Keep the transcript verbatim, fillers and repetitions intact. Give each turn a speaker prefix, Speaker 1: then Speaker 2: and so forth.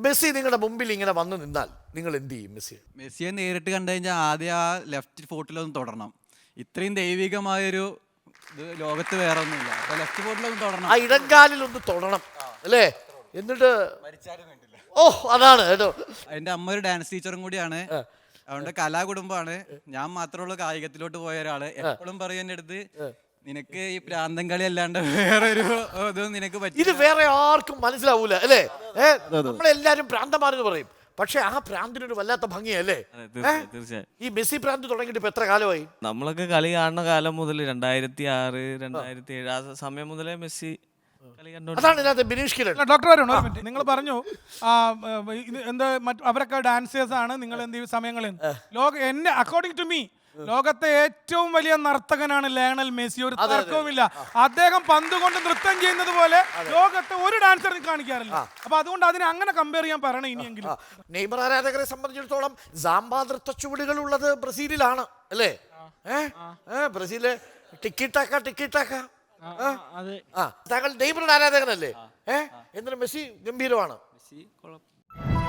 Speaker 1: Messi നിങ്ങളുടെ മുമ്പിൽ ഇങ്ങനെ വന്നു നിന്നാൽ നിങ്ങൾ എന്ത് ചെയ്യും? മെസ്സി
Speaker 2: മെസ്സിയെ നേരിട്ട് കണ്ടു കഴിഞ്ഞാൽ ആദ്യം ആ ലെഫ്റ്റ് ഫോട്ടിലൊന്ന് തുടരണം. ഇത്രയും ദൈവികമായൊരു ഇത് ലോകത്ത് വേറെ ഒന്നുമില്ല. അപ്പൊ ലെഫ്റ്റ് ഫോട്ടിലൊന്ന് തുടരണം,
Speaker 1: ആ ഇടങ്കാലിൽ ഒന്ന് തൊടണം അല്ലേ? എന്നിട്ട് ഓ അതാണ് കേട്ടോ.
Speaker 2: എൻ്റെ അമ്മ ഒരു ഡാൻസ് ടീച്ചറും കൂടിയാണ്. അതുകൊണ്ട് കലാകുടുംബമാണ്. ഞാൻ മാത്രമുള്ള കായികത്തിലോട്ട് പോയ ഒരാള്. എപ്പോഴും പറയും എൻ്റെ അടുത്ത്, നിനക്ക് ഈ പ്രാന്തം കളി അല്ലാണ്ട് വേറൊരു ഇതും നിനക്ക് പറ്റും.
Speaker 1: ഇത് വേറെ ആർക്കും മനസ്സിലാവൂല അല്ലേ? ഏഹ് നമ്മളെല്ലാരും പ്രാന്തമാരെന്ന് പറയും, പക്ഷെ ആ പ്രാന്തിനൊരു വല്ലാത്ത ഭംഗിയല്ലേ?
Speaker 3: തീർച്ചയായും.
Speaker 1: ഈ മെസ്സി പ്രാന്ത് തുടങ്ങിയിട്ട് ഇപ്പൊ എത്ര കാലമായി?
Speaker 3: നമ്മളൊക്കെ കളി കാണുന്ന കാലം മുതൽ രണ്ടായിരത്തി ആറ് രണ്ടായിരത്തി ഏഴ് ആ സമയം മുതലേ മെസ്സി കളി കണ്ടു.
Speaker 1: അതാണ് ഇതിനകത്ത് ബിനീഷ് കിരൺ.
Speaker 4: ഡോക്ടർ വരണം ഒരു മിനിറ്റ്. നിങ്ങൾ പറഞ്ഞു എന്താ അവരൊക്കെ ഡാൻസേഴ്സ് ആണ്, നിങ്ങൾ എന്ത് സമയങ്ങളിൽ ലോക എന്നെ അക്കോർഡിംഗ് ടു മീ ലോകത്തെ ഏറ്റവും വലിയ നർത്തകനാണ് ലയണൽ മെസ്സി. ഒരു തർക്കവുമില്ല. അദ്ദേഹം പന്ത് കൊണ്ട് നൃത്തം ചെയ്യുന്നത് പോലെ ലോകത്തെ ഒരു ഡാൻസർ കാണിക്കാറില്ല. അപ്പൊ അതുകൊണ്ട് അതിനെ അങ്ങനെ കമ്പയർ ചെയ്യാൻ പറയണം ഇനിയെങ്കിലും.
Speaker 1: നെയ്മർ ആരാധകരെ സംബന്ധിച്ചിടത്തോളം സാമ്പാ നൃത്ത ചുവടുകൾ ഉള്ളത് ബ്രസീലിലാണ് അല്ലേ? ഏഹ് ബ്രസീല് ടിക്കിട്ടാക്ക ടിക്കിട്ടാക്ക. ആ താങ്കൾ നെയ്മറുടെ ആരാധകനല്ലേ? ഏഹ് എന്നിട്ട് മെസ്സി ഗംഭീരമാണ്.
Speaker 3: മെസ്സി കുഴപ്പം